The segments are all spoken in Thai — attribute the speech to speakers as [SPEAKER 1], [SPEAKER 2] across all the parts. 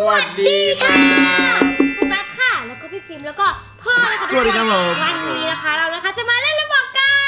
[SPEAKER 1] วัสดีค่ะ
[SPEAKER 2] โฟกัสค่ะแล้วก็พี่ฟิล์มแล้วก็พ่อนะคะ
[SPEAKER 1] สวัสดีครับผม
[SPEAKER 2] วันนี้นะคะเรานะคะจะมาเล่นระบอกกัน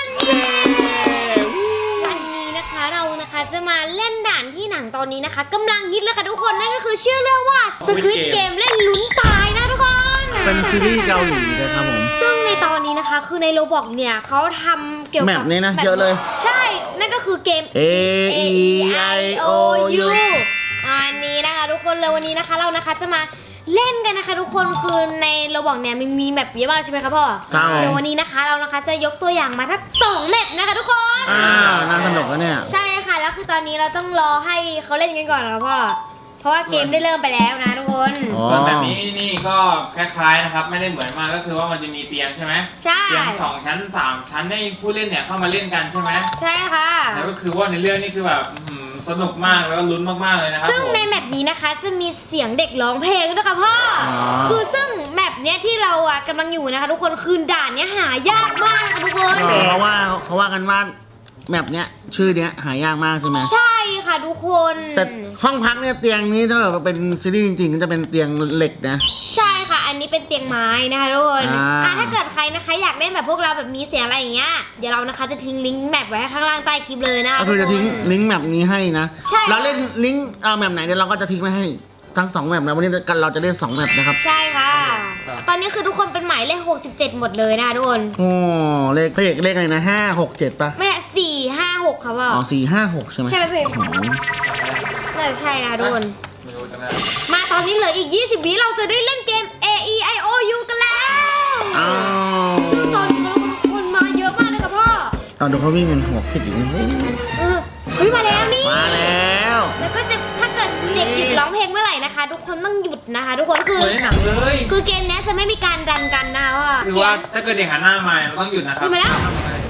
[SPEAKER 2] วันนี้นะคะเรานะคะจะมาเล่นด่านที่หนังตอนนี้นะคะกำลังฮิตเลยค่ะทุกคนนั่นก็คือชื่อเรื่องว่า Squid Game เล่นลุ้นตายนะทุกคน
[SPEAKER 1] เป็นซีรีส์เกาหลีนะครับผม
[SPEAKER 2] ซึ่งในตอนนี้นะคะคือในโรบอกเนี่ยเขาทำเกี่ยวกับ
[SPEAKER 1] แมปนี้นะเยอะเลย
[SPEAKER 2] ใช่นั่นก็คือเกม
[SPEAKER 1] A E I O U
[SPEAKER 2] อันนี้นะคะทุกคนเลยวันนี้นะคะเรานะคะจะมาเล่นกันนะคะทุกคนคือในโรบอกเนี่ยมีแมปเยอะมากใช่ไหมคะพ่อ
[SPEAKER 1] ครับ
[SPEAKER 2] เดี๋ยววันนี้นะคะเรานะคะจะยกตัวอย่างมาทั้ง2แมปนะคะทุกคน
[SPEAKER 1] น่าสนุกแล้วเนี่ย
[SPEAKER 2] ใช่ค่ะแล้วคือตอนนี้เราต้องรอให้เขาเล่นกันก่อนนะคะพ่อเพราะว่าเกมได้เริ่มไปแล้วนะทุกคน
[SPEAKER 3] ส่วนแบบนี้นี่ก็คล้ายๆนะครับไม่ได้เหมือนมากก็คือว่ามันจะมีเตียงใช่ไหม
[SPEAKER 2] ใช่
[SPEAKER 3] เตียง2 ชั้น 3 ชั้นให้ผู้เล่นเนี่ยเข้ามาเล่นกันใช่ไหม
[SPEAKER 2] ใช่ค่ะ
[SPEAKER 3] แล้วก็คือว่าในเรื่องนี้คือแบบสนุกมากแล้วก็ลุ้นมากๆเลยนะครับ
[SPEAKER 2] ซึ่ง
[SPEAKER 3] ผม
[SPEAKER 2] ในแมปนี้นะคะจะมีเสียงเด็กร้องเพลงด้วยค่ะพ่อคือซึ่งแมปเนี้ยที่เราอ่ะกำลังอยู่นะคะทุกคนคือด่านเนี้ยหายากมากนะคะทุกคน
[SPEAKER 1] เพราะว่าเขาว่ากันว่าแมปเนี้ยชื่อเนี้ยหายากมากใช่ไหม
[SPEAKER 2] ใช่ค่ะทุกคน
[SPEAKER 1] แต่ห้องพักเนี่ยเตียงนี้ถ้าแบบเป็นซีรีส์จริงๆก็จะเป็นเตียงเหล็กนะ
[SPEAKER 2] ใช่ค่ะอันนี้เป็นเตียงไม้นะคะทุกคน
[SPEAKER 1] อ่า
[SPEAKER 2] ถ้าเกิดใครนะคะอยากเล่นแบบพวกเราแบบมีเสียงอะไรอย่างเงี้ยเดี๋ยวเรานะคะจะทิ้งลิงก์แมปไว้ข้างล่างใต้คลิปเลยนะคะ
[SPEAKER 1] ก็คือจะทิ้งลิงก์แมปนี้ให้นะ
[SPEAKER 2] ใช่
[SPEAKER 1] เราเล่นลิงก์แมปไหนเดี๋ยวเราก็จะทิ้งไว้ให้ทั้ง2แมปนะวันนี้กันเราจะเล่น2แมปนะครับ
[SPEAKER 2] ใช่ค่ะ ตอนนี้คือทุกคนเป็นหมายเลข67หมดเลยนะคะทุกคน
[SPEAKER 1] โอ้เลขอะไรนะ5 6 7ป่ะ
[SPEAKER 2] ไม่4 5 6ค่ะพ่อ
[SPEAKER 1] อ๋อ4 5 6ใช่ไหม
[SPEAKER 2] ใช่ไหมเพื่อนน่าจะใช่นะคะทุกคน
[SPEAKER 3] ไม่รู้จะได้
[SPEAKER 2] มาตอนนี้เหลืออีก20 วิเราจะได้เล่นเกม A E I O U กันแล้ว
[SPEAKER 1] อ้าว
[SPEAKER 2] ซึ่งตอนนี้คนมาเยอะมากเลยค่ะพ่อ
[SPEAKER 1] ตอนดูเขาวิ่งกันหัวคิดอย่างนี้
[SPEAKER 2] เฮ้ยมาแล้วนี่
[SPEAKER 1] มาแล้ว
[SPEAKER 2] แล้วก็จะถ้าเกิดเด็กหยุดร้องเพลงเมื่อไหร่นะคะ ทุกคนต้องหยุดนะคะ ทุกคนคือ
[SPEAKER 3] เหมือนในหนังเลย
[SPEAKER 2] คือเกมนี้จะไม่มีการดันกันนะว่า
[SPEAKER 3] คือว่าถ้าเกิดเด็กหันหน้ามาเราต้องหยุดนะครับ
[SPEAKER 2] มาแล้ว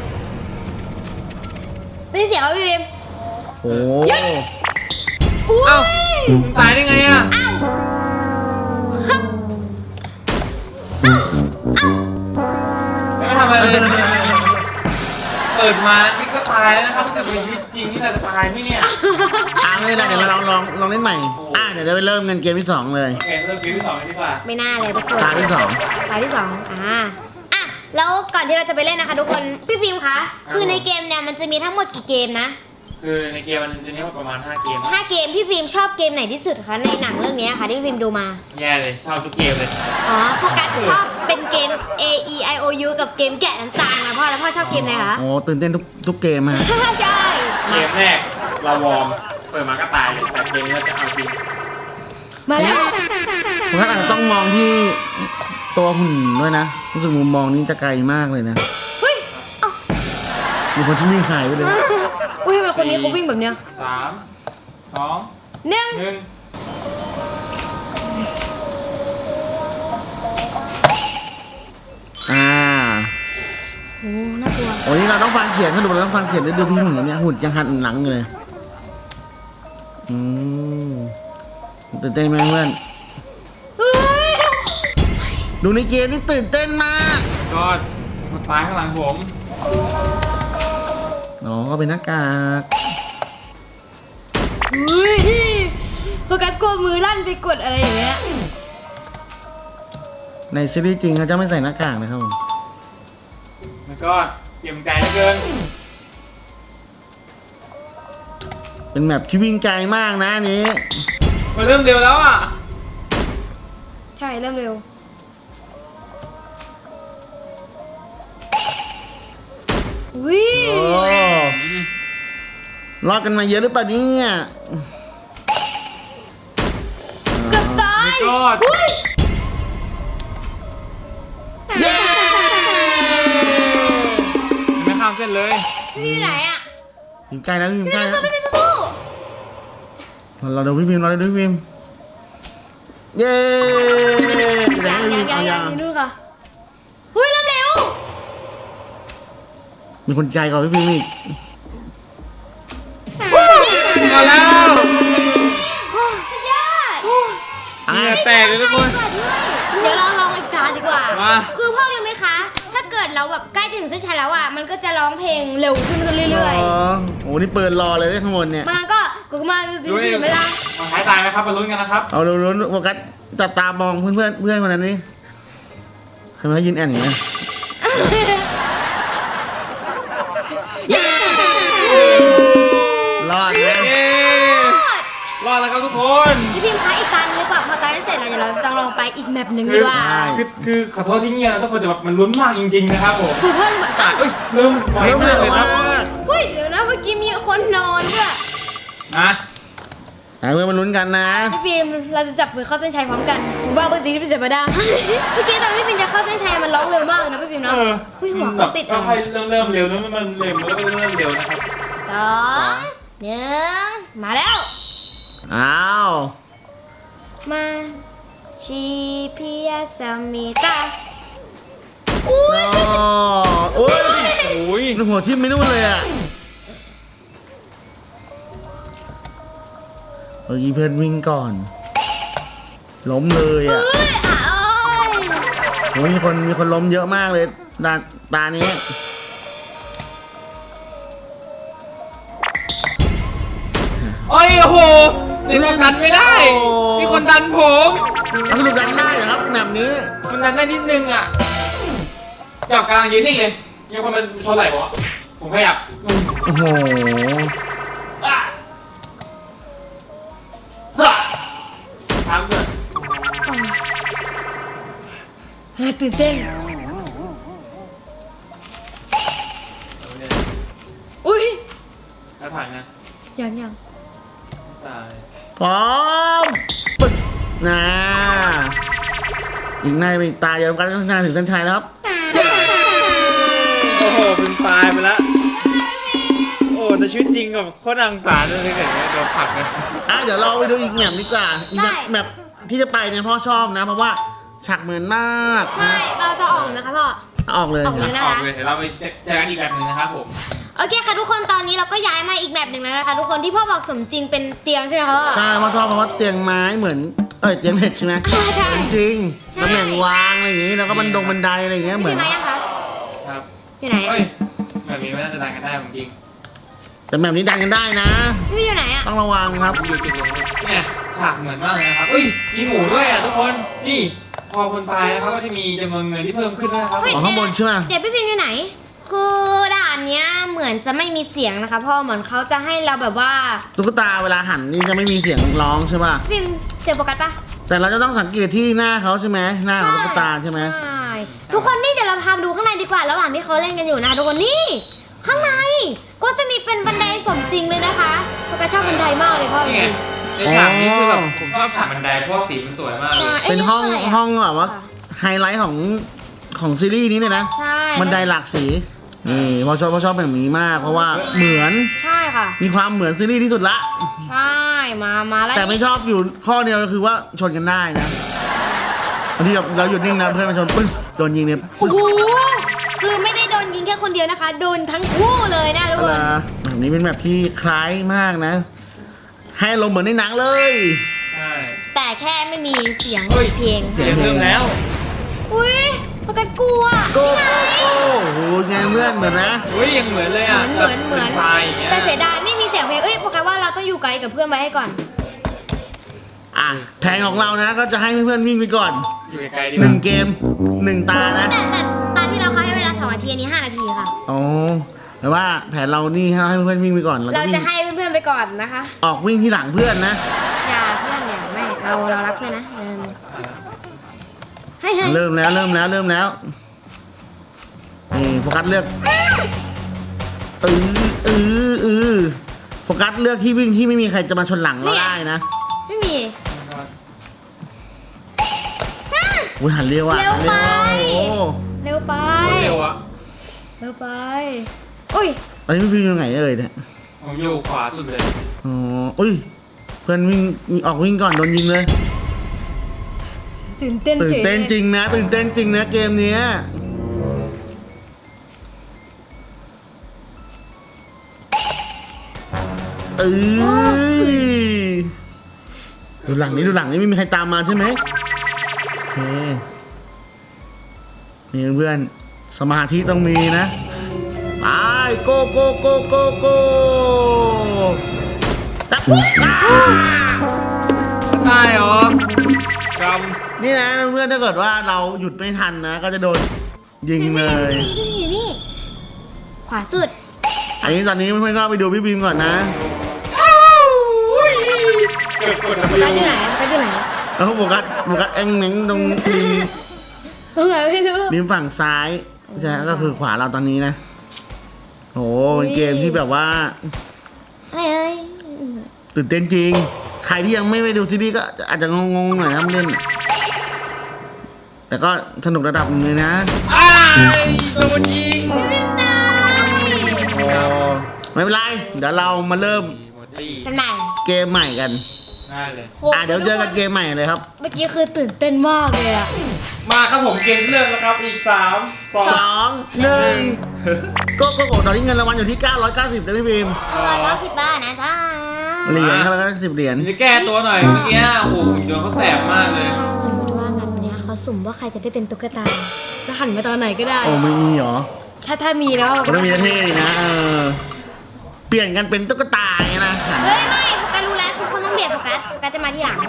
[SPEAKER 2] ได้เสียงว่าพี่เบม
[SPEAKER 1] โอ้
[SPEAKER 2] อุ้
[SPEAKER 3] เอ้าย มึงตายได้ไงอ่ะ
[SPEAKER 2] อ้าว
[SPEAKER 3] ไม่ทำอะไรเลยเปิดมานี่ก็ตายแล้วนะครับแต่เป็นชีวิตจริงนี่เราจะตายไหมเนี่ย
[SPEAKER 1] ไม่เป็นไรเดี๋ยวเราลองเล่นใหม่เดี๋ยวเราไปเริ่มกันเกมที่2เลย
[SPEAKER 3] โอเคเริ่มเกมที่2เลยดีกว่า
[SPEAKER 2] ไม่น่าเลยทุกคน
[SPEAKER 1] ตาที่
[SPEAKER 2] ตาที่สองแล้วก่อนที่เราจะไปเล่นนะคะ ทุกคนพี่ฟิล์มคะคือในเกมเนี่ยมันจะมีทั้งหมดกี่เกมนะ
[SPEAKER 3] คือในเกมมันจะมีประมาณ5 เกม
[SPEAKER 2] 5 เกมพี่ฟิล์มชอบเกมไหนที่สุดคะในหนังเรื่องนี้ค่ะที่พี่ฟิล์มดูมา
[SPEAKER 3] แย่เลยชอบทุกเกมเลย
[SPEAKER 2] อ๋อโฟกัสชอบเป็นเกม A E I O U กับเกมแกะน้ำตาลนะพ่อแล้วพ่อชอบเกมไหนคะ
[SPEAKER 1] 2โอ้ตื่นเต้นทุกเกมฮะ
[SPEAKER 2] ใช่
[SPEAKER 3] เกมแรกเราวอร์มเปิดมาก็ตายเลยแต่เกมนี้เราจะเอาจริง
[SPEAKER 2] มาแล้ว
[SPEAKER 1] ผมก็อาจจะต้องมองที่ตัวหุ่นด้วยนะรู้สึกมุมมองนี้จะไกลมากเลยนะ
[SPEAKER 2] เฮ้ยเอ้า
[SPEAKER 1] มีคนที่วิ่งหายไปเลย
[SPEAKER 2] อุ้ยทำไมคนนี้เขาวิ่งแบบเนี้ย
[SPEAKER 3] 3 2
[SPEAKER 2] 1
[SPEAKER 3] 1
[SPEAKER 2] โอ้น่ากลัว
[SPEAKER 1] โอ้นี่เราต้องฟังเสียงสนุกเราต้องฟังเสียงด้วยดูที่หุ่นเนี่ยหุ่นยังหันหลังอยู่เลยตื่นเต้นไหมเพื่อน
[SPEAKER 2] เฮ้ย
[SPEAKER 1] ดูในเกมนี่ตื่นเต้นมาก
[SPEAKER 3] ก็มาตายข้างหลังผม
[SPEAKER 1] อ๋อก็เป็นหน้ากาก
[SPEAKER 2] เฮ้ยโฟกัสกลัวมือลั่นไปกดอะไรอย่างเงี้ย
[SPEAKER 1] ในซีรีส์จริงเขาจะไม่ใส่หน้ากากนะครับผม
[SPEAKER 3] มันก็เกมไกลเหลือเกิน
[SPEAKER 1] เป็นแมปที่วิ่งไกลมากนะอันนี้
[SPEAKER 3] มันเริ่มเร็วแล้วอ่ะ
[SPEAKER 2] ใช่เริ่มเร็ววิ
[SPEAKER 1] โอ้รอดกันมาเยอะหรือเปล่าเนี่ย
[SPEAKER 2] เกือบตาย
[SPEAKER 3] ก็
[SPEAKER 2] เฮ้ย
[SPEAKER 1] เย้
[SPEAKER 3] ไม่ข้ามเส้นเลย
[SPEAKER 2] พี่อยู่ไหนอ่ะ
[SPEAKER 1] วิ่งไกลแล้ววิ่งไกล
[SPEAKER 2] พี่
[SPEAKER 1] แล้ว
[SPEAKER 2] สู้พี่สู้
[SPEAKER 1] เราดูพี่พิมพ์เราดูพี่พิมพ์เย้
[SPEAKER 2] ยังอยู่นู่นค่ะเฮ้ยเริ่มเร็ว
[SPEAKER 1] มีคนใจกว่าพี่พิมพ์อีก
[SPEAKER 3] มาแล้ว
[SPEAKER 2] ยอด
[SPEAKER 3] เหงื่อแตกเลยทุกคน
[SPEAKER 2] เดี๋ยวเราลองอีกจานดีกว่า
[SPEAKER 3] มา
[SPEAKER 2] คือพ่อรู้ไหมคะ ถถ้าเกิดเราแบบใกล้จะถึงเส้นชัยแล้วอ่ะมันก็จะร้องเพลงเร็วขึ้นเรื่อย
[SPEAKER 1] อ๋อโอ้นี่เปิดรอเลยข้างบนเนี่ย
[SPEAKER 2] ๆมาก็กูมาสิเวลา
[SPEAKER 3] มาท้ายตายไหมครับมาลุ้นกันนะครับ
[SPEAKER 1] เอาลุ้นๆโฟกัสจับตามองเพื่อนคนนั้นนี่ทำไมยืนแอนอย่างเงี้ยรอดนะ
[SPEAKER 3] เย้รอดแล้วครับทุกคน
[SPEAKER 2] พี่พิมพ์คะอีกตาหนึ่งดีกว่าพอตาเสร็จแล้วเดี๋ยวเราจะลองไปอีกแมปหนึ่งดีกว่า
[SPEAKER 3] คือขอโทษที่เงียบนะทุกคนแต่แบบมันลุ้นมากจริงๆนะครับผม
[SPEAKER 2] คือเพื่อนเหมือนกัน
[SPEAKER 3] เอ้ยเริ่มไวมากเลยครับ
[SPEAKER 2] เฮ้ยเดี๋ยวนะเมื่อกี้มีคนนอนด้วย
[SPEAKER 3] นะ
[SPEAKER 1] เพื่อนมาลุ้นกันนะ
[SPEAKER 2] พี่พิมพ์เราจะจับมือเข้าเส้นชัยพร้อมกันผมว่าเบอร์สีที่เป็นเจ็บได้เมื่อกี้ตอนพี่พิมพ์จะเข้าเส้นชัยมันร้องเร็วมากเลยนะพี่พิมพ์เนาะ
[SPEAKER 3] เออ
[SPEAKER 2] เฮ้ยหัว
[SPEAKER 3] แบ
[SPEAKER 2] เขา
[SPEAKER 3] บ
[SPEAKER 2] ติด
[SPEAKER 3] ก็ค่อยเริ่มเร็วแล้วมันเร็วแล้วก็เริ่มเร็วนะครับ
[SPEAKER 2] 2 1มาแล้ว
[SPEAKER 1] อ้าว
[SPEAKER 2] มาชีพิยาสมิตาอุ้ย
[SPEAKER 1] โอ้ย
[SPEAKER 3] โอ้ย
[SPEAKER 1] ลูกหัวทิ่มไม่นู่นเลยอ่ะเมื่อกี้เพื่อนวิ่งก่อน ล้มเลยอ่ะ
[SPEAKER 2] เอ้ยอ่ะโอ้ย
[SPEAKER 1] โอ้ยมีคนล้มเยอะมากเลยตานี้
[SPEAKER 3] โอ้ยโอ้โหในรอบดันไม่ได้ มีคนดันผม
[SPEAKER 1] แล้วสรุปดันได้เหรอครับแบบนี้
[SPEAKER 3] มันดันได้นิดนึงอ่ะอยากกลางยืนนิ่งเลยมีคนมาชนไหล่ผมอะผมขยับ
[SPEAKER 1] โอ้โห
[SPEAKER 3] อ่ะอ่ะทำเลย
[SPEAKER 2] ตื่นเต้นอุ้ย
[SPEAKER 3] แล้วผ่านไง
[SPEAKER 2] ยัง
[SPEAKER 3] ตาย
[SPEAKER 1] พร้อมปึ๊กนะอีกหน้าเป็นอีกตาเดียวกันงานถึงเส้นชัยแล้วครับ
[SPEAKER 3] โอ้โหเป็นตายไปแล้วโอ้แต่ชีวิตจริงกับโคตรอังสารเลยเกิดโดนผลักเลย
[SPEAKER 1] อ่ะเดี๋ยวเราไปดูอีกแมปดีกว่าอีกแมปที่จะไปเนี่ยพ่อชอบนะ เพราะว่าฉากเหมือนมาก
[SPEAKER 2] ใช่เราจะออกไหมคะพ่อ
[SPEAKER 1] ออกเลย
[SPEAKER 2] ออกเลย
[SPEAKER 1] นะ
[SPEAKER 3] ออกเลยเดี๋ยวเราไปเจอกันอีกแบบหนึ่งนะครับผม
[SPEAKER 2] โอเคค่ะทุกคนตอนนี้เราก็ย้ายมาอีกแบบหนึ่งแล้วนะคะทุกคนที่พ่อบอกสมจริงเป็นเตียงใช่ไหมคะพ่อ
[SPEAKER 1] ใช่พ่อชอบเพราะว่าเตียงไม้เหมือนเตียงเหล็กใช่ไหม
[SPEAKER 2] ใช่
[SPEAKER 1] จริง
[SPEAKER 2] ใช่
[SPEAKER 1] ตำแหน่งวางอะไรอย่างงี้แล้วก็บันไดอะไรอย่างเงี้ยเหมือน
[SPEAKER 2] พี่มายังคะ
[SPEAKER 3] ครับ
[SPEAKER 2] อยู่ไหน
[SPEAKER 3] เฮ้ยแบบนี้ไม่น่าจะดันกันได้จริง
[SPEAKER 1] แต่แบบนี้ดันกันได้นะ
[SPEAKER 2] พี่อยู่ไหนอะ
[SPEAKER 1] ต้องระวังครับ
[SPEAKER 3] อยู่จุดลงเนี่ยฉากเหมือนมากเลยนะครับเฮ้ยมีหมูด้วยอ่ะทุกคนนี่พอคนตายนะครับก็จะมีจำนวนเงินที่เพิ่มขึ้นด้วยนะครับ
[SPEAKER 1] ของข้างบนใช่ไหม
[SPEAKER 2] เดี๋ยวพี่พิมพ์อยู่ไหน คือด่านเนี้ยเหมือนจะไม่มีเสียงนะคะพ่อเหมือนเขาจะให้เราแบบว่า
[SPEAKER 1] ตุ๊กตาเวลาหันนี่จะไม่มีเสียงร้องใช่ป่ะ
[SPEAKER 2] พี่พิมพ์เสียงโฟกัสปะ
[SPEAKER 1] แต่เราจะต้องสังเกตที่หน้าเขาใช่ไหมหน้าของตุ๊กตาใช่ไหม
[SPEAKER 2] ใช่ทุกคนนี่เดี๋ยวเราพาไปดูข้างในดีกว่าระหว่างที่เขาเล่นกันอยู่นะคะทุกคนนี่ข้างในก็จะมีเป็นบันไดสมจริงเลยนะคะโฟกัสชอบบันไดมากเลยพ่อ
[SPEAKER 3] นี่ไงในฉากนี้คือแบบผมชอบฉากบันไดเพราะว่าสีมันสวยมากเลย
[SPEAKER 2] ใช่
[SPEAKER 1] เป็นห้อง
[SPEAKER 2] ะ
[SPEAKER 1] ห้องแบบว่าไฮไลท์ของซีรีส์นี้เลยนะ
[SPEAKER 2] ใช่
[SPEAKER 1] บันไดหลากสีนี่พอชอบแบบนี้มาก เพราะว่าเหมือน
[SPEAKER 2] ใช่ค่ะ
[SPEAKER 1] มีความเหมือนซีรีส์ที่สุดละ
[SPEAKER 2] ใช่มาแล้ว
[SPEAKER 1] แต่ไม่ชอบอยู่ข้อเดียวก็คือว่าชนกันได้นะบางทีเราหยุดนิ่งนะเพื่อนมาชนปึ๊สโดนยิงเนี่ย
[SPEAKER 2] โอ้โหคือไม่ได้โดนยิงแค่คนเดียวนะคะ โดนทั้งคู่เลยนะทุก
[SPEAKER 1] อะไร
[SPEAKER 2] คน
[SPEAKER 1] แบบนี้เป็นแบบที่คล้ายมากนะ ให้ลมณ์เหมือนในหนังเลย
[SPEAKER 3] ใช่
[SPEAKER 2] แต่แค่ไม่มีเสียง
[SPEAKER 3] เฮ้ย
[SPEAKER 2] เพลง
[SPEAKER 3] เสียงเริ่มแล้ว
[SPEAKER 2] อุ้ยประกันกลัว
[SPEAKER 1] โก้โก้โอ้โหไงเพื่อนเหมือนนะ
[SPEAKER 3] เฮ้ยยังเหมือนเลยอ่ะ
[SPEAKER 2] เหมือน
[SPEAKER 3] แบบทรายอย่างเงี้ย
[SPEAKER 2] แต่เสียดายไม่มีเสียงเพลงเอ้ยโฟกัสว่าเราต้องอยู่ไกลกับเพื่อนไว้ให้ก่อน
[SPEAKER 1] อ่ะแผนของเรานะก็จะให้เพื่อนๆวิ่งไปก่อน
[SPEAKER 3] อยู่ไกลๆดีก
[SPEAKER 1] หนึ่
[SPEAKER 3] ว่าง
[SPEAKER 1] เกมหนึ่งตานะ
[SPEAKER 2] แต่ตอนที่เราเขาให้เวลา2 นาทีอันนี้5 นาทีค่ะ
[SPEAKER 1] อ๋อแต่ว่าแผนเรานี่ให้เพื่อนๆวิ่งไปก่อนแล้ว
[SPEAKER 2] เรา
[SPEAKER 1] ก็วิ่
[SPEAKER 2] จะ
[SPEAKER 1] ง
[SPEAKER 2] ให้เพื่อนๆไปก่อนนะคะ
[SPEAKER 1] ออกวิ่งที่หลังเพื่อนนะ
[SPEAKER 2] อย่าเพื่อนอย่าไม่เรารักเพื่อนนะให้
[SPEAKER 1] เริ่มแล้วนี่โฟกัสเลือกโฟกัสเลือกที่วิ่งที่ไม่มีใครจะมาชนหลังเราได้นะ
[SPEAKER 2] ไม่มี
[SPEAKER 1] อุ้ยหันเร็วอ่ะ
[SPEAKER 2] เร็วไป
[SPEAKER 1] โอ้โห
[SPEAKER 2] เร็วไป
[SPEAKER 3] เร็วอ่ะ
[SPEAKER 2] เร็วไปอุ้ย
[SPEAKER 1] ตอนนี้พี่วิ่งยังไงเอ่ยเนี่ย
[SPEAKER 3] ผมอยู่ขวาสุดเลย
[SPEAKER 1] อ๋ออุ้ยเพื่อนวิ่งออกวิ่งก่อนโดนยิงเลย
[SPEAKER 2] ตื่นเต้น
[SPEAKER 1] ตื่นเต้นจริงนะตื่นเต้นจริงนะเกมเนี้ยดูหลังนี้ไม่มีใครตามมาใช่ไหมโอเคนี่เพื่อนสมาธิต้องมีนะไปโกโกโกโกโกจับ
[SPEAKER 3] ตายเหรอก
[SPEAKER 1] นี่นะเพื่อนถ้าเกิดว่าเราหยุดไม่ทันนะ ก็จะโดนยิงเลย
[SPEAKER 2] อยู่นี่ขวาสุด
[SPEAKER 1] อันนี้ตอนนี้เพื่อนๆก็ไปดูพี่บีมก่อนนะ
[SPEAKER 3] เกือบกด
[SPEAKER 2] โฟกัสอยู่ไหนโฟกัสอยู่ไหน
[SPEAKER 1] แล้วโฟกัสแองเม้งตรงริม
[SPEAKER 2] ตรงไหนไม่รู้
[SPEAKER 1] ริมฝั่งซ้ายใช่ก็คือขวาเราตอนนี้นะโหเป็นเกมที่แบบว่า
[SPEAKER 2] เอ้ย
[SPEAKER 1] ตื่นเต้นจริง ใครที่ยังไม่ไปดูซีรีส์ก็อาจจะงงๆหน่อยนะเล่น แต่ก็สนุกระดับหนึงเลยนะ
[SPEAKER 3] อ้ายโดนยิง
[SPEAKER 2] พี่บิมตาย
[SPEAKER 1] โอ้ไม่เป็นไร เดี๋ยวเรามาเริ่ม
[SPEAKER 3] หมดที่
[SPEAKER 2] เป็นใหม่
[SPEAKER 1] เกมใหม่กัน
[SPEAKER 3] ง่ายเลย
[SPEAKER 1] เดี๋ยวเจอกันเกมใหม่เลยครับ
[SPEAKER 2] เมื่อกี้คือตื่นเต้นมากเลยอะ
[SPEAKER 3] มาครับผมเกมเริ่มแล้วครับอีก3 2
[SPEAKER 1] 2 1ก็ตอนนี้เงินรางวัลอยู่ที่ 990นะพี่บีม
[SPEAKER 2] 190 บาทนะจ๊ะ
[SPEAKER 1] เหรียญเขาแล้วก็10 เหรียญ
[SPEAKER 3] จะแก้ตัวหน่อยเมื่อกี้โอ้โหหุ่นยนต์เขาแสบมากเลย
[SPEAKER 2] สมมติว่างานเนี้ยเขาสุ่มว่าใครจะได้เป็นตุ๊กตาจะหันมาตอนไหนก็ได้
[SPEAKER 1] โอ้ไม่มีเหรอ
[SPEAKER 2] ถ้ามีแล้ว
[SPEAKER 1] มันต้องมีเท่ดีนะเปลี่ยนกันเป็นตุ๊กตาอย่างเงี้ยนะ
[SPEAKER 2] เฮ้ยไม่โฟกัสรู้แล้วทุกคนต้องเบียดโฟกัสจะมาที่หลัง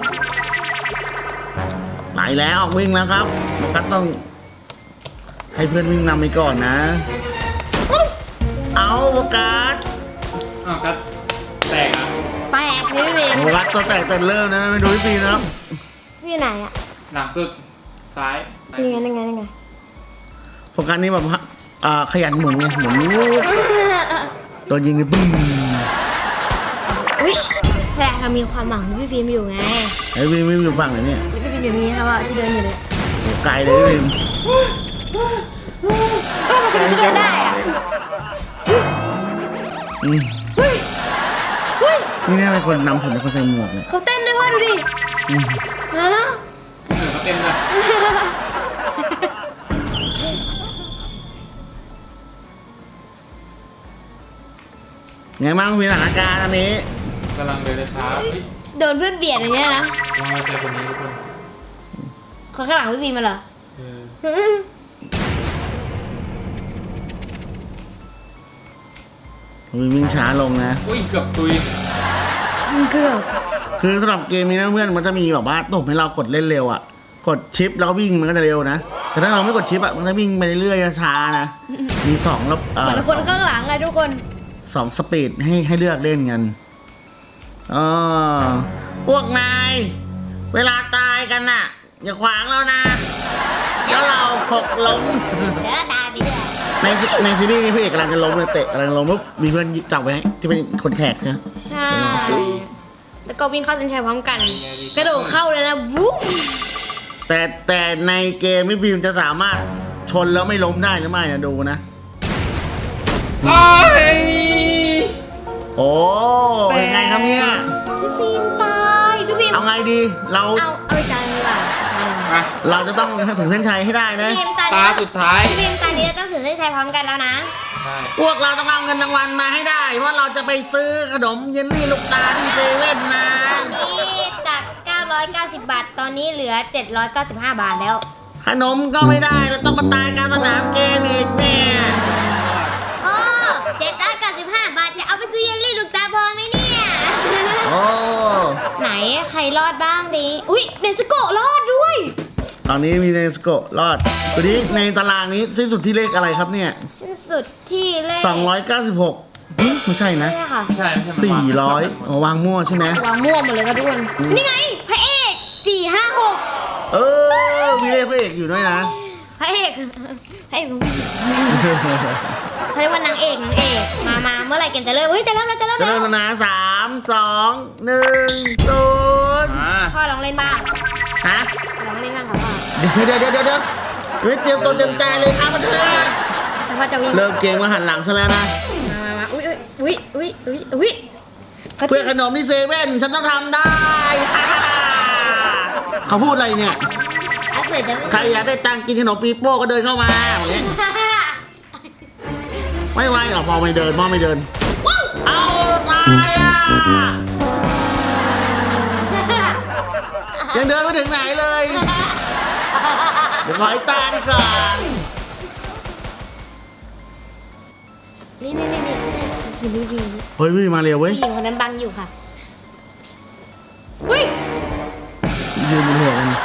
[SPEAKER 1] ไหลแล้วออกวิ่งแล้วครับโฟกัสต้อง ให้เพื่อนวิ่งนำไปก่อนนะ เอาโฟกัส
[SPEAKER 3] อ้าวครับแตกอ่ะ
[SPEAKER 2] แปลกพี่เวม
[SPEAKER 1] โฟกัสตัวแตกแต่เริ่มนะไม่ดูพี่ปีนะครับ
[SPEAKER 2] พี่อยู่ไหนอะ
[SPEAKER 3] หลังสุดซ้าย
[SPEAKER 2] นี่ไง
[SPEAKER 1] โฟกัสนี่แบบว่าขยันหมุนไงหมุนโดนยิงนี่ปุ้ง
[SPEAKER 2] อุ้ยแต่เรามีความหวังที่พี่ฟิล์มอยู่ไง
[SPEAKER 1] ไอ้วิ่งอยู่ฝั่งไหนเนี่ย
[SPEAKER 2] พี่ฟิล์มอย่างนี้ครับว่าที่เดินอยู่เลย
[SPEAKER 1] โอ้ไกลเลยพี่บีม
[SPEAKER 2] ก็มันจะเดินได้อะ
[SPEAKER 1] อืม
[SPEAKER 2] เฮ้ย
[SPEAKER 1] นี่แน่เป็นคนนำผมเป็นคนใส่หมวกเนี่ย
[SPEAKER 2] เขาเต้นด้วยว่าดูดิ
[SPEAKER 1] อืม
[SPEAKER 2] ฮะ
[SPEAKER 3] เหนือเขาเต็มเลย
[SPEAKER 1] ไงบ้างมีสถานการณ์อันนี้
[SPEAKER 3] กำลังเดินช้าเฮ้ย
[SPEAKER 2] โดนเพื่อนเบียดอย่างเงี้ยนะ
[SPEAKER 3] ลองมาเจอคนนี้ทุกคน
[SPEAKER 2] คนข้างหลังพี่ฟิล์มมาเหรอ
[SPEAKER 3] เออ
[SPEAKER 1] วิ่งช้าลงนะ
[SPEAKER 3] อุ้ยเกือบตุย
[SPEAKER 2] เกือบ
[SPEAKER 1] คือสำหรับเกมนี้นะเพื่อนมันจะมีแบบว่าตุ่มให้เรากดเล่นเร็วอ่ะ กดชิปแล้วก็วิ่งมันก็จะเร็วนะ แต่ถ้าเราไม่กดชิปอ่ะมันจะวิ่งไปเรื่อยๆช้าๆนะ มี2แล้ว
[SPEAKER 2] เหมือนคนข้างหลังไงทุกคน
[SPEAKER 1] 2สปีดให้เลือกเล่นกันพวกนายเวลาตายกันน่ะ อย่าขวางเรานะเดี๋ยวเราหกล้ม
[SPEAKER 2] เดี๋ยวตายไปเรื่อย
[SPEAKER 1] ในซีรีส์นี้พี่เอกกำลังจะล้มเลยเตะกำลังล้มปุ๊บมีเพื่อนจับไว้ให้ที่เป็นคนแขกใช่ไหม
[SPEAKER 2] ใช่ แล้วก็วิ่งเข้าเส้นชัยพร้อมกัน กระโดดเข้าเลยนะวุ้บ
[SPEAKER 1] แต่ในเกมพี่ฟิล์มจะสามารถชนแล้วไม่ล้มได้หรือไม่นะดูนะ
[SPEAKER 3] โอ้ย
[SPEAKER 1] โอ้ยังไงครับเนี่ย
[SPEAKER 2] พี่ฟิล์มตายพี่ฟิล์ม
[SPEAKER 1] เอาไงดีเรา
[SPEAKER 2] เอาไปจานดีกว่า
[SPEAKER 3] มา
[SPEAKER 1] เราจะต้องถึงเส้นชัยให้ได้นะ
[SPEAKER 2] พี่ฟิล์มตา
[SPEAKER 3] ตาสุดท้าย
[SPEAKER 2] พี่ฟิล์มตานี้ต้องถึงเส้นชัยพร้อมกันแล้วนะ
[SPEAKER 3] ใช่
[SPEAKER 1] พวกเราต้องเอาเงินรางวัลมาให้ได้เพราะเราจะไปซื้อขนมเยลลี่ลูกตาที่เซเว่นนะ
[SPEAKER 2] ตอนนี้จาก 990 บาท ตอนนี้เหลือ 795 บาทแล้ว
[SPEAKER 1] ขนมก็ไม่ได้เราต้องมาตายกลารสนามเกมอีกเนี่ย
[SPEAKER 2] โอ้795 บาทจะเอาไปซื้อเยลลี่ลูกตาพอไหมเนี่ย
[SPEAKER 1] โอ้
[SPEAKER 2] ไหนใครรอดบ้างดิ อุ๊ยเนสโกะรอดด้วย
[SPEAKER 1] ตอนนี้มีเนสโกะรอดตัวนี้ในตารางนี้ที่สุดที่เลขอะไรครับเนี่ย
[SPEAKER 2] สิ้นสุดที่เลข
[SPEAKER 1] 296ไม่ใช่นะ
[SPEAKER 2] ไม่ใช่ค่ะ
[SPEAKER 3] ไม่ใช่มันวาง
[SPEAKER 1] 400อ๋อวางมั่วใช่ไหม
[SPEAKER 2] วางมั่วหมดเลยค่ะทุกคน นี่ไง พระเอก456
[SPEAKER 1] เออมีเลขพระเอกอยู่ด้วยนะ
[SPEAKER 2] พระเอกของพี่เขาเรียกว่านางเอกมาเมื่อไหร่เกมจะเริ่มเฮ้ยจะเริ่มแล้ว
[SPEAKER 1] จะเริ่มแล้วนะ3 2 1 0
[SPEAKER 3] มา
[SPEAKER 2] พ่อลองเล่นบ้าง
[SPEAKER 1] ฮะ
[SPEAKER 2] ลองเล่นบ้างค่ะพ่อ
[SPEAKER 1] เดี๋ยวเฮ้ยเตรียมตัวเตรียมใจเลยครับเพื่อน
[SPEAKER 2] แต่พ่อจะวิ่ง
[SPEAKER 1] เริ่มเกมมาหันหลังซะแล้วนะ
[SPEAKER 2] มาอุ้ย
[SPEAKER 1] เพื่อขนมที่เซเว่นฉันต้องทำได้ เขาพูดอะไรเนี่ย
[SPEAKER 2] อ่ะเปิดจะ
[SPEAKER 1] ใครอยากได้ตังค์กินขนมปีโป้ก็เดินเข้ามาอย่างเงี้ยไม่ไหวหรอกมองไม่เดินเอาตายอ่ะยังเดินไม่ถึงไหนเลยเดี๋ยวขอให้ตาดีกว่า
[SPEAKER 2] นี่พี่
[SPEAKER 1] เฮ้ยพี่มาเร็วเว้ย
[SPEAKER 2] ผู้หญิงคนนั้นบังอยู่ค่ะอุ้ย
[SPEAKER 1] ยืนบนหัวกัน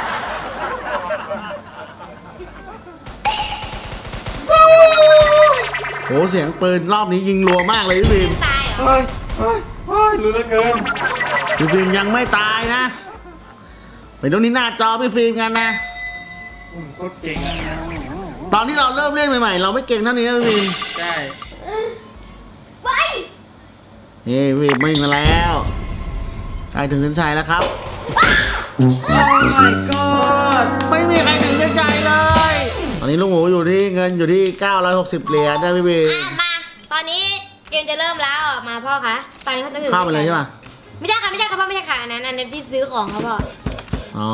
[SPEAKER 1] โหเสียงปืนรอบนี้ยิงรัวมากเลยพี่ฟิล์ม
[SPEAKER 2] ตายเหรอ
[SPEAKER 3] เฮ้ยรู้เหลือเกิน
[SPEAKER 1] พี่ฟิล์มยังไม่ตายนะไปตรงนี้หน้าจอพี่ฟิล์มกันนะ
[SPEAKER 3] โคตรเก่งอะ
[SPEAKER 1] ตอนที่เราเริ่มเล่นใหม่ๆเราไม่เก่งเท่านี้นะพี่ฟิล์ม
[SPEAKER 3] ใช่
[SPEAKER 2] ไป
[SPEAKER 1] นี่พี่ฟิล์มวิ่งมาแล้วใกล้ถึงเส้นชัยแล้วครับ
[SPEAKER 3] โอ้ my god
[SPEAKER 1] ไม่มีใครถึงเส้นชัยเลย ตอนนี้ลุงหมูอยู่ที่เงินอยู่ที่960เหรียญนะพี่ฟิล์ม
[SPEAKER 2] มา ตอนนี้เกมจะเริ่มแล้วออกมาพ่อคะตอนนี้เขาจะถึง
[SPEAKER 1] เข้าไปเลยใช่ปะ
[SPEAKER 2] ไม่ใช่ค่ะพ่อไม่ใช่ค่ะอันนั้นที่ซื้อของเขาพ่อ
[SPEAKER 1] อ๋อ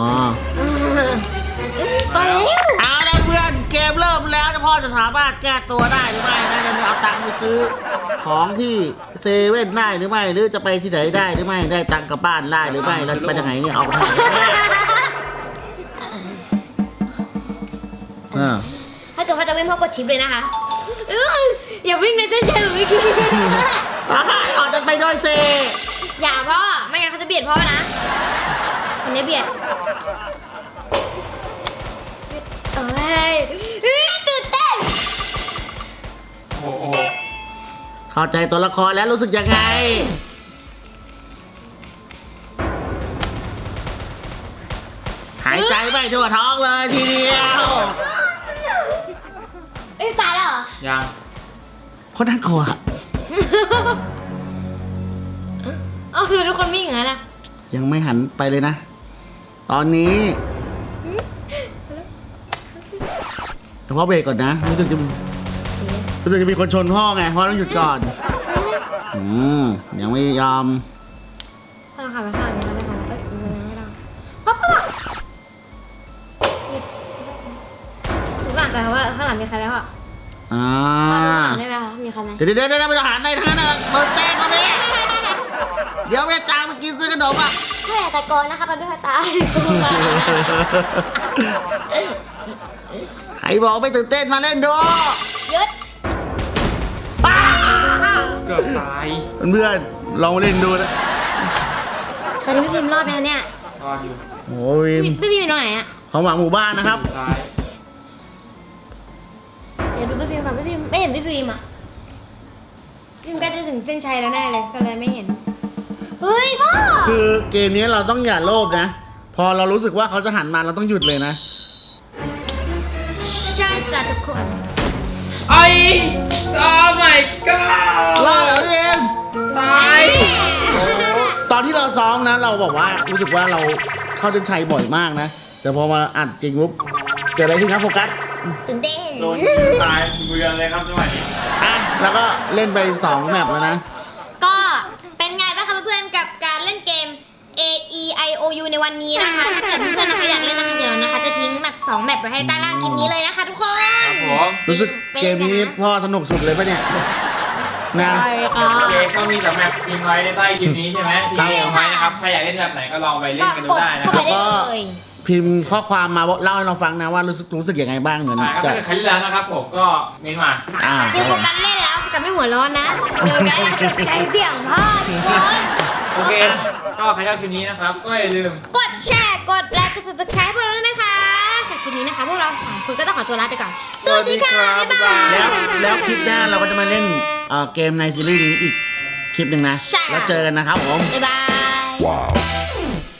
[SPEAKER 2] ไปเร็ว
[SPEAKER 1] เอาละเพื่อนเกมเริ่มแล้วจะพ่อจะสามารถแก้ตัวได้หรือไม่นะจะเอาตังค์ไปซื้อของที่เซเว่นได้หรือไม่หรือจะไปที่ไหนได้หรือไม่ได้ตังค์กลับบ้านได้หรือไม่เราจะไปยังไงเนี่ยเอาไปทำอ่า
[SPEAKER 2] ถ้าเกิดพ่อจะวิ่งพ่อกดชิปเลยนะคะอย่าวิ่งในเส้นชัยหรือไม่คิด
[SPEAKER 1] ออกจะไปด้วยเซ
[SPEAKER 2] อย่าพ่อไม่งั้นเขาจะเบียดพ่อนะคนนี้เบียดเอ้ยตื่นเต้น
[SPEAKER 3] โอ้โห
[SPEAKER 1] เข้าใจตัวละครแล้วรู้สึกยังไงหายใจไม่ทั่วท้องเลยทีเดียว
[SPEAKER 2] เอ้ยตายแล้วเหรอ
[SPEAKER 3] ยัง
[SPEAKER 1] โคตรน่ากลัว
[SPEAKER 2] เอาคือทุกคนวิ่งอย่างนั้นนะ
[SPEAKER 1] ยังไม่หันไปเลยนะ ตอนนี้แต่พ่อเบรกก่อนนะรู้สึกจะมีคนชนพ่อไงพ่อต้องหยุดก่อน ยังไม่ยอม
[SPEAKER 2] พ่อขับไปข้างหลังนี้แล้วไม่ทันเอ้ยไม่ได้พ่อถูกหลังกันว่าข้างหลังมีใครไหมพ่อ
[SPEAKER 1] อ่า
[SPEAKER 2] ข้างหลังได้ไหมคะมีใครไหม
[SPEAKER 1] เดี๋ยวไม่ต้องหันในทั้งนั้นนะเปิดเต้นมาเลยเดี๋ยวไม่ได้ตามไปกินซื้อขนมอ่ะ
[SPEAKER 2] เพื่อตะโกนนะคะตอนที่ตาย
[SPEAKER 1] ใครบอกไม่ตื่นเต้นมาเล่นดู
[SPEAKER 2] หยุด
[SPEAKER 1] ป้า
[SPEAKER 3] เกือบตาย
[SPEAKER 1] เพื่อนๆลองมาเล่นดูนะ
[SPEAKER 2] ตอนนี้พี่พิมรอดไหมเนี่ย
[SPEAKER 3] รอดอยู่
[SPEAKER 1] โอ้ย
[SPEAKER 2] พี่พิมอยู่ตรงไหนอะ
[SPEAKER 1] ของหวังหมู่บ้านนะครับ
[SPEAKER 3] ซ้าย
[SPEAKER 2] เดี๋ยวดูพี่พิมก่อนพี่พิมไม่เห็นพี่พิมอะพี่พิมใกล้จะถึงเส้นชัยแล้วแน่เลยก็เลยไม่เห็นเฮ้ยพ่อ
[SPEAKER 1] คือเกมนี้เราต้องอย่าโลภนะ พอเรารู้สึกว่าเขาจะหันมาเราต้องหยุดเลยนะ
[SPEAKER 2] ใช่จ้ะทุกคน
[SPEAKER 3] ไอ้โอ้ my god
[SPEAKER 1] รอดแล้วเอง
[SPEAKER 3] ตาย
[SPEAKER 1] ตอนที่เราซ้อมนะ เราบอกว่ารู้สึกว่าเราเข้าเส้นชัยบ่อยมากนะ แต่พอมาอัดจริงปุ๊บเกิดอะไรขึ้นครับโฟกัส
[SPEAKER 2] ตื่นเต้น
[SPEAKER 3] โดนตายเบือนเลยครับจังหวะนี้
[SPEAKER 1] อ่ะแล้วก็เล่นไป2แมปแล้วนะ
[SPEAKER 2] ก็เป็นไงบ้างคะเพื่อนๆกับการเล่นเกม A E I O U ในวันนี้นะคะถ้าเกิดเพื่อนๆนะคะอยากเล่นนะคะเดี๋ยวนะคะจะทิ้งแมป2แมปไว้ให้ใต้ล่างคลิปนี้เลยนะคะทุกคน
[SPEAKER 3] ครับผม
[SPEAKER 1] รู้สึกเกมนี้พ่อสนุกสุดเลยปะเนี่ยนะ
[SPEAKER 2] ใช่ค่ะ
[SPEAKER 3] โอเคก็มีแต่แมปทิ้งไว้ในใต้คลิปนี้ใช่ไหมทิ้งเอาไว้นะครับใครอยากเล่นแบบไหนก็ลองไปเล่นกันดูได้นะค
[SPEAKER 2] เข้า
[SPEAKER 3] รับ
[SPEAKER 2] ไปได้เลย
[SPEAKER 1] พิมพ์ข้อความมาเล่าให้เราฟังนะว่ารู้สึกยังไงบ้างเหมือน
[SPEAKER 3] ก็
[SPEAKER 1] จะ
[SPEAKER 3] ถ้าเกิดใครเล่นแล้วนะครับผมก็เม้นมา
[SPEAKER 2] คือโฟกัสเล่นแล้วโฟกัสไม่หัวร้อนนะเดี๋ยวไกด์ตกใจเสียงพ่อทุกคน
[SPEAKER 3] โอเคก็ใครชอบคลิปนี้นะครับก็อย่าลืม
[SPEAKER 2] กดแชร์กดไลค์กด subscribe พวกเราด้วยนะคะจากคลิปนี้นะคะพวกเรา3คนก็ต้องขอตัวลาไปก่อนสวัสดีค่ะบ๊ายบาย
[SPEAKER 1] แล้วคลิปหน้าเราก็จะมาเล่นเกมในซีรีส์นี้อีกคลิปหนึ่งนะ
[SPEAKER 2] ใช่ค่ะ
[SPEAKER 1] แล้วเจอกันนะครับผม
[SPEAKER 2] บ๊ายบาย
[SPEAKER 4] Wow.